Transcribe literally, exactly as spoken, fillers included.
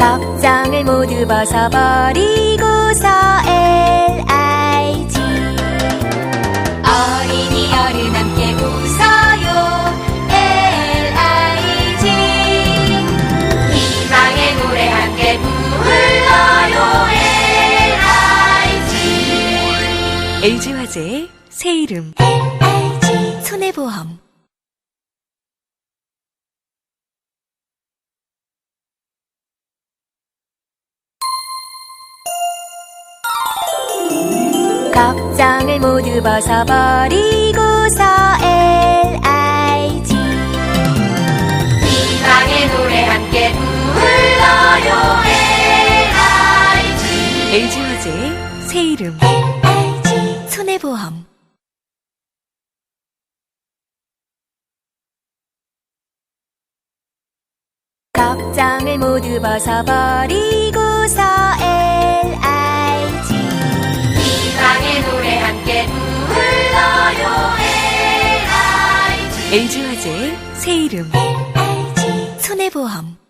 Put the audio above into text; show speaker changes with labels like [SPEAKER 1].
[SPEAKER 1] 걱정을 모두 벗어버리고서 엘아이지. 어린이 어른 함께 웃어요 엘아이지. 희망의 노래 함께 불러요 엘아이지.
[SPEAKER 2] 엘지화재의 새 이름
[SPEAKER 1] 엘아이지.
[SPEAKER 2] 손해보험.
[SPEAKER 1] 걱정을 모두 벗어버리고서 엘아이지. 희망의 노래 함께 불러요 엘아이지.
[SPEAKER 2] 엘지화재의 새 이름
[SPEAKER 1] 엘아이지.
[SPEAKER 2] 손해보험.
[SPEAKER 1] 걱정을 모두 벗어버리고서 엘아이지. 희망의 노래 함께 불러요 엘아이지.
[SPEAKER 2] 엘지화재의 새 이름
[SPEAKER 1] 엘아이지.
[SPEAKER 2] 손해보험.